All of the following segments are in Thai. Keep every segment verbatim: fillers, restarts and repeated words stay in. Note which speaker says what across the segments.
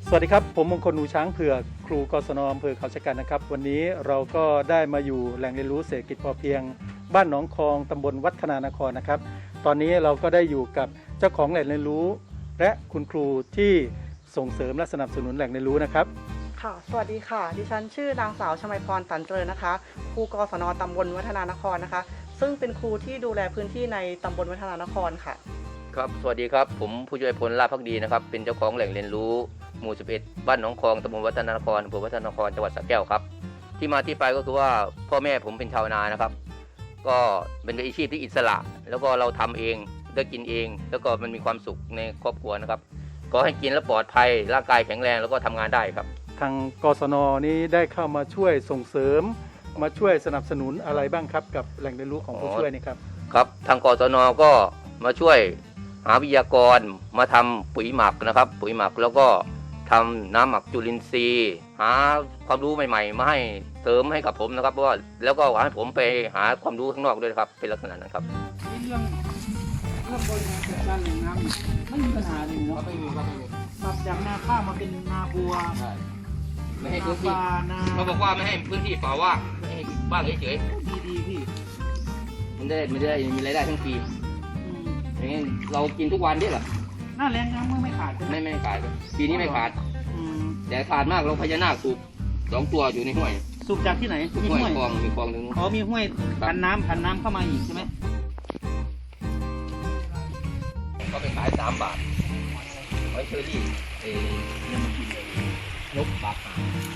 Speaker 1: สวัสดีครับผมมงคลหนูช้างเผือกครูกศนอำเภอเขาชะกันนะครับวันนี้เราก็ได้มาอยู่แหล่งเรียนรู้เศรษฐกิจพอเพียงบ้านหนองคองตำบลวัฒนานครนะครับตอนนี้เราก็ได้อยู่กับเจ้าของแหล่งเรียนรู้และคุณครูที่ส่งเสริมและสนับสนุนแหล่งเรียนรู้นะครับ
Speaker 2: ค่ะสวัสดีค่ะดิฉันชื่อนางสาวชมัยพรตันเจริญนะคะครูกศนตำบลวัฒนานครนะคะซึ่งเป็นครูที่ดูแลพื้นที่ในตำบลวัฒนานครค่ะ
Speaker 3: ครับสวัสดีครับผมผู้ช่วยพลลาภพักดีนะครับเป็นเจ้าของแหล่งเรียนรู้หมู่สิบเอ็ดบ้านหนองคองตำบลวัฒนานครอำเภอวัฒนานครจังหวัดสระแก้วครับที่มาที่ไปก็คือว่าพ่อแม่ผมเป็นชาวนานะครับก็เป็นอาชีพที่อิสระแล้วก็เราทำเองได้กินเองแล้วก็มันมีความสุขในครอบครัวนะครับก็ให้กินแล้วปลอดภัยร่างกายแข็งแรงแล้วก็ทำงานได้ครับ
Speaker 1: ทางกศนนี้ได้เข้ามาช่วยส่งเสริมมาช่วยสนับสนุนอะไรบ้างครับกับแหล่งเรียนรู้ของผู้ช่วยนี่ครับ
Speaker 3: ครับทางกศนก็มาช่วยหาวิทยากรมาทำปุ๋ยหมักนะครับปุ๋ยหมักแล้วก็ทำน้ำหมักจุลินทรีย์หาความรู้ใหม่ๆมาให้เสริมให้กับผมนะครับเพราะว่าแล้วก็ให้ผมไปหาความรู้ข้างนอกด้วยครับเป็นลักษณะนั้นครับ
Speaker 4: เรื่องเรื่องบริหารจัดการแหล่งน้ำไม่มีปัญหาเลยเนาะไม่มีครับไม่มีปรับจากนาข้าวมาเป็นนาบัว
Speaker 3: ไม่ให้พื้นที่เขาบอกว่าไม่ให้พื้นที่เปล่าว่างไม่ให้ว่างเฉย
Speaker 4: ๆดีดีพี่
Speaker 3: มันได้ไม่ได้มีรายได้ทั้งปีอย่างนี้เรากินทุกวันด้วยเหรอ
Speaker 4: หน้าแรงน้ำไม่ขาด
Speaker 3: ไม่ไม่ขาดปีนี้ไม่ขาดแต่ขาดมากเราพญานาคสูบสองตัวอยู่ในห้วย
Speaker 4: สูบจากที่ไหน
Speaker 3: มีห้วยคลองมีคลองหนึ่ง
Speaker 4: อ๋อมีห้วยพันน้ำพันน้ำเข้ามาอีกใช่ไหม
Speaker 3: ก็ไปขายสามบาทไว้เชอรี่เอ้ยังกินเลยนกปากหาง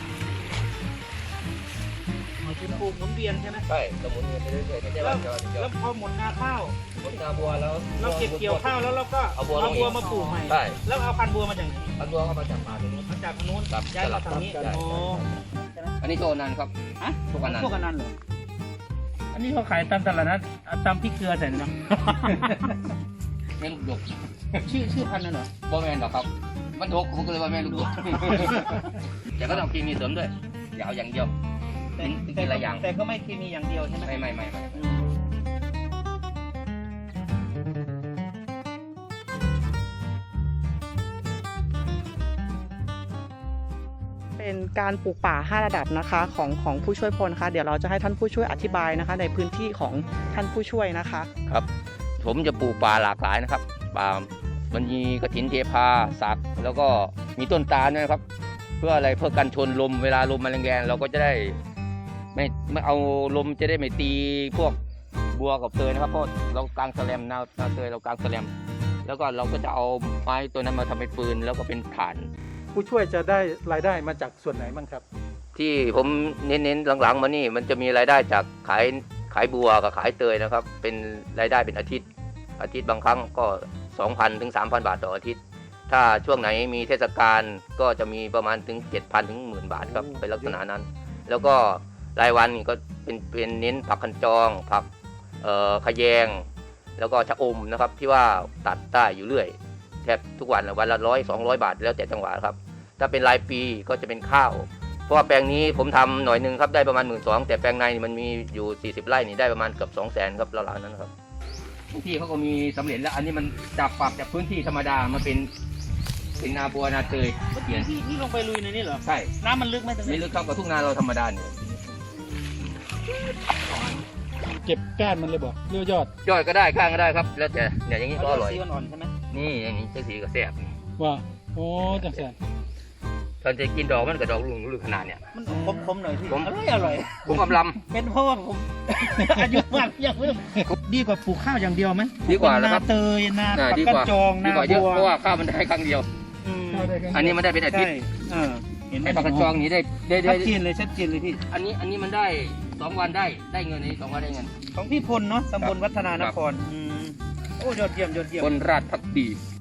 Speaker 4: อ๋อเป็นปลูกหมุนเวียนใช่ไหม
Speaker 3: ใช่สมุนเวียนไปเรื่อยๆไม่ใช่ว่า
Speaker 4: จะแล้วพอหมดนาข้าว
Speaker 3: หมดนาบัวแล้ว
Speaker 4: เราเก็บเกี่ยวข้าวแล้วเราก็เอาบัวมาปลูกใหม่
Speaker 3: ใช่
Speaker 4: แล้วเอาพันธุ์บัวมาจากไหน
Speaker 3: พันธุ์บัวก็มาจากป่าตรงนู้น
Speaker 4: มาจากทางนู้นย้ายมาทางนี้
Speaker 3: โอ้อันนี้โชนันครับ
Speaker 4: ฮะ
Speaker 3: โชกันัน
Speaker 4: โชกันันเหรออันนี้เขาขายตามตลาดนัดตามพริกเกลือใส่นะ
Speaker 3: แม่ลูกดก
Speaker 4: ชื่อชื่อพันธุ์นั่นเหรอ
Speaker 3: บ่แม่นดอกครับมันดกผมก็เลยว่าแม่ลูกดกแต่ก็ต้องกินมีเสริมด้วยอย่าเอาอย่างเดียวกินกินหลายอย่าง
Speaker 4: แต่ก็ไม่เคมีอย่างเดียวใช่ไหม
Speaker 3: ไม่ไม่ไม่ไม่
Speaker 2: เป็นการปลูกป่าห้าระดับนะคะของของผู้ช่วยพลนะคะเดี๋ยวเราจะให้ท่านผู้ช่วยอธิบายนะคะในพื้นที่ของท่านผู้ช่วยนะคะ
Speaker 3: ครับผมจะปลูกป่าหลากหลายนะครับป่ามันมีกระถินเทพาสักแล้วก็มีต้นตาลด้วยครับเพื่ออะไรเพื่อกันชนลมเวลาลมมันแรงๆเราก็จะได้ไม่ไม่เอาลมจะได้ไม่ตีพวกบัวกับเตยนะครับเพราะเรากางแสลมนานาเตยเรากางแสลมแล้วก็เราก็จะเอาไม้ตัวนั้นมาทำเป็นปืนแล้วก็เป็นฐาน
Speaker 1: ผู้ช่วยจะได้รายได้มาจากส่วนไหนบ้างครับ
Speaker 3: ที่ผมเน้นๆหลังๆมานี่มันจะมีรายได้จากขายขายบัวกับขายเตยนะครับเป็นรายได้เป็นอาทิตย์อาทิตย์บางครั้งก็ สองพัน ถึง สามพัน บาทต่ออาทิตย์ถ้าช่วงไหนมีเทศกาลก็จะมีประมาณถึง เจ็ดพัน ถึง หนึ่งหมื่น บาทครับเป็นลักษณะนั้นแล้วก็รายวันก็เป็นเป็นเน้นผักคันจองผักเอ่อขยงแล้วก็ชะอมนะครับที่ว่าตัดได้อยู่เรื่อยแทบทุกวันวันละร้อยสองร้อยบาทแล้วแต่จังหวะครับถ้าเป็นรายปีก็จะเป็นข้าวเพราะว่าแปลงนี้ผมทำหน่อยนึงครับได้ประมาณ หนึ่งหมื่นสองพัน แต่แปลงในมันมีอยู่สี่สิบไร่นี่ได้ประมาณเกือบ สองแสน ครับราวๆนั้นครับที่เขาก็มีสำเร็จแล้วอันนี้มันจากปรับจากพื้นที่ธรรมดามาเป็นเป็นนาบัวนาเตย
Speaker 4: เปลี่ยนที่ที่ลงไปลุยในนี้เหรอ
Speaker 3: ใช่
Speaker 4: น้ำมันลึกไหมตรงนี้
Speaker 3: ไม่ลึกเท่ากับทุ่งนาเราธรรมดาเนี่ย
Speaker 4: เก็บก้านมันเลยบอกเรียวยอด
Speaker 3: ยอดก็ได้ก้านก็ได้ครับแล้วแต่เนี่ยอย่างนี้ก็อร่อย
Speaker 4: สีอ่อนๆใช่ไหม
Speaker 3: นี่อย่างนี้สีก็แซ่บ
Speaker 4: ว่าโอ้จังแซ่บ
Speaker 3: ตอนจะกินดอกมันกับดอกลุงลุงขนาดเนี่ย
Speaker 4: มันคมๆหน่อยพี่อร่อยอร่อย
Speaker 3: ผมกำลำ
Speaker 4: เป็นเพราะว่าผมอายุมากยังไม่ดีกว่าปลูกข้าวอย่างเดียวไหม
Speaker 3: ดีกว่าแล้วครับ
Speaker 4: นาเตยนาปากกระจองนาบัว
Speaker 3: เพราะว่าข้าวมันได้ครั้งเดียวอันนี้มันได้เป็นอาทิตย์เห็นไหมปากกระจองนี้ได้ได้
Speaker 4: ชัดเจนเลยชัดเจนเลยพี่
Speaker 3: อันนี้อันนี้มันได้สองวันได้ได้เงินนี้สองวันได้เงิน
Speaker 4: ของพี่พลเนาะตำบลวัฒนานครโอ้ยอดเยี่ยมยอดเยี่ยม
Speaker 3: พลราชพักดี